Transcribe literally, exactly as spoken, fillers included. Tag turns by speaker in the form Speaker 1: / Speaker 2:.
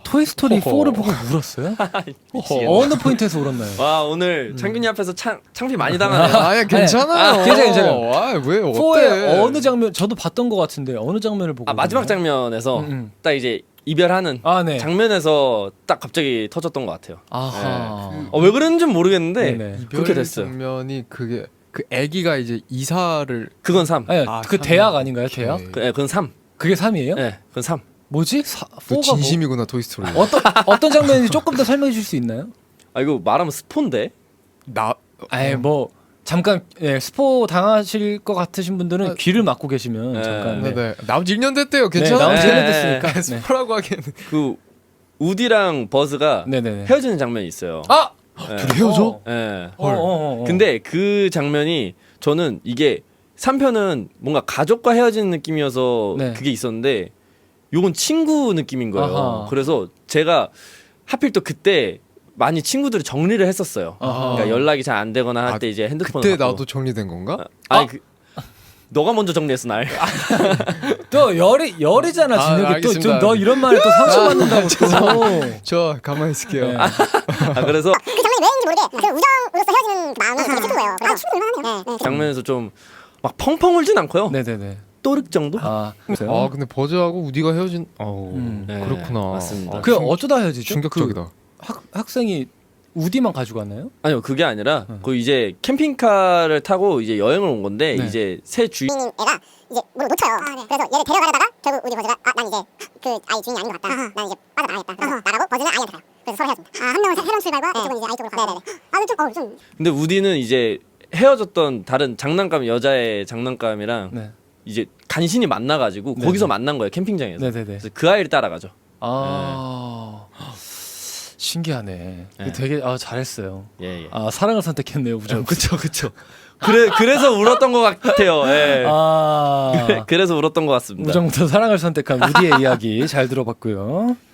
Speaker 1: 토이스토리
Speaker 2: 허허.
Speaker 1: 포를 보고 울었어요? 어느 포인트에서 울었나요?
Speaker 3: 와 오늘 창균이 앞에서 창, 창피 많이 당하네요.
Speaker 2: 아야 괜찮아요.
Speaker 1: 아, 괜찮아요, 괜찮아요.
Speaker 2: 아왜 어때?
Speaker 1: 포의 어느 장면 저도 봤던 것 같은데 어느 장면을 보고
Speaker 3: 아 마지막
Speaker 1: 울었나요?
Speaker 3: 장면에서
Speaker 1: 음, 음.
Speaker 3: 딱 이제 이별하는
Speaker 1: 아, 네.
Speaker 3: 장면에서 딱 갑자기 터졌던 것 같아요.
Speaker 1: 아하.
Speaker 3: 어, 왜 그랬는지는 모르겠는데
Speaker 1: 네네.
Speaker 2: 이별
Speaker 3: 그렇게 됐어요.
Speaker 2: 장면이 그게 그 아기가 이제 이사를
Speaker 3: 그건 삼.
Speaker 1: 아니,
Speaker 2: 아,
Speaker 1: 그
Speaker 2: 삼.
Speaker 1: 대학 아닌가요?
Speaker 2: 오케이.
Speaker 1: 대학?
Speaker 3: 그, 예, 그건 삼.
Speaker 1: 그게 삼이에요?
Speaker 3: 예, 그건 삼.
Speaker 1: 뭐지? 사,
Speaker 2: 그
Speaker 1: 포가
Speaker 2: 진심이구나 토이스토리.
Speaker 1: 뭐, 어떤 어떤 장면인지 조금 더 설명해 줄 수 있나요?
Speaker 3: 아 이거 말하면 스폰데.
Speaker 2: 나
Speaker 1: 아예 뭐 잠깐 예, 스포 당하실 것 같으신 분들은
Speaker 2: 아,
Speaker 1: 귀를 막고 계시면
Speaker 3: 네.
Speaker 1: 잠깐 네.
Speaker 2: 네네 나온 지 일 년 됐대요.
Speaker 1: 네,
Speaker 2: 괜찮아.
Speaker 1: 나온 지
Speaker 3: 네.
Speaker 1: 일 년 됐으니까. 네.
Speaker 2: 스포라고 하기에는.
Speaker 3: 그 우디랑 버즈가
Speaker 1: 네네네.
Speaker 3: 헤어지는 장면이 있어요.
Speaker 1: 아!
Speaker 3: 예.
Speaker 2: 둘이 헤어져?
Speaker 1: 어.
Speaker 3: 예.
Speaker 1: 어, 어, 어, 어.
Speaker 3: 근데 그 장면이 저는 이게 삼 편은 뭔가 가족과 헤어지는 느낌이어서
Speaker 1: 네.
Speaker 3: 그게 있었는데 요건 친구 느낌인 거예요.
Speaker 1: 아하.
Speaker 3: 그래서 제가 하필 또 그때 많이 친구들이 정리를 했었어요.
Speaker 1: 아하.
Speaker 3: 그러니까 연락이 잘 안 되거나 할
Speaker 2: 아,
Speaker 3: 때 이제 핸드폰을
Speaker 2: 그때
Speaker 3: 갖고.
Speaker 2: 나도 정리된 건가?
Speaker 3: 아니 그 너가 먼저 정리했어 날.
Speaker 1: 또 열이 열이잖아
Speaker 2: 아,
Speaker 1: 진혁이 또
Speaker 2: 알겠습니다.
Speaker 1: 좀 너 이런 말에 또 상처받는다고 또.
Speaker 2: 저 가만히 있을게요.
Speaker 1: 네.
Speaker 3: 아, 그래서
Speaker 4: 그 장면이 왜인지 모르게 그 우정으로서 헤어지는 그 마음이 되게 슬픈 거예요. 아, 충분히 얼마나 해요. 네.
Speaker 3: 장면에서 좀 막 펑펑 울진 않고요.
Speaker 1: 네네네.
Speaker 3: 또륵 정도?
Speaker 1: 아, 그래요?
Speaker 2: 아 근데 버즈하고 우디가 헤어진. 어
Speaker 1: 음.
Speaker 3: 네,
Speaker 2: 그렇구나.
Speaker 3: 맞습니다.
Speaker 2: 아,
Speaker 1: 그
Speaker 2: 충-
Speaker 1: 어쩌다 헤어지죠?
Speaker 2: 충격적이다.
Speaker 1: 그 학 학생이 우디만 가지고 왔나요?
Speaker 3: 아니요 그게 아니라 그 이제 캠핑카를 타고 이제 여행을 온 건데
Speaker 1: 네.
Speaker 3: 이제 새 주인
Speaker 4: 주인인 애가 이제 뭘 놓쳐요. 그래서 얘를 데려가려다가 결국 우리 버즈가 아, 난 이제 그 아이 주인이 아닌 것 같다. 난 이제 빠져나가겠다. 그래서 나가고 버즈는 아이한테 가요. 그래서 서로 헤어집니다. 아, 한 명은 새로운 출발과 이쪽은 이제 아이 쪽으로 가요. 네네네. 아, 좀, 어, 좀.
Speaker 3: 근데 우디는 이제 헤어졌던 다른 장난감 여자의 장난감이랑
Speaker 1: 네.
Speaker 3: 이제 간신히 만나가지고
Speaker 1: 네네.
Speaker 3: 거기서 만난 거예요 캠핑장에서.
Speaker 1: 네네네.
Speaker 3: 그래서 그 아이를 따라가죠.
Speaker 1: 아 신기하네.
Speaker 3: 네.
Speaker 1: 되게 아 잘했어요.
Speaker 3: 예, 예.
Speaker 1: 아 사랑을 선택했네요 우정.
Speaker 3: 그쵸 그쵸. 그래 그래서 울었던 것 같아요. 예.
Speaker 1: 아
Speaker 3: 그래, 그래서 울었던 것 같습니다.
Speaker 1: 우정부터 사랑을 선택한 우디의 이야기 잘 들어봤고요.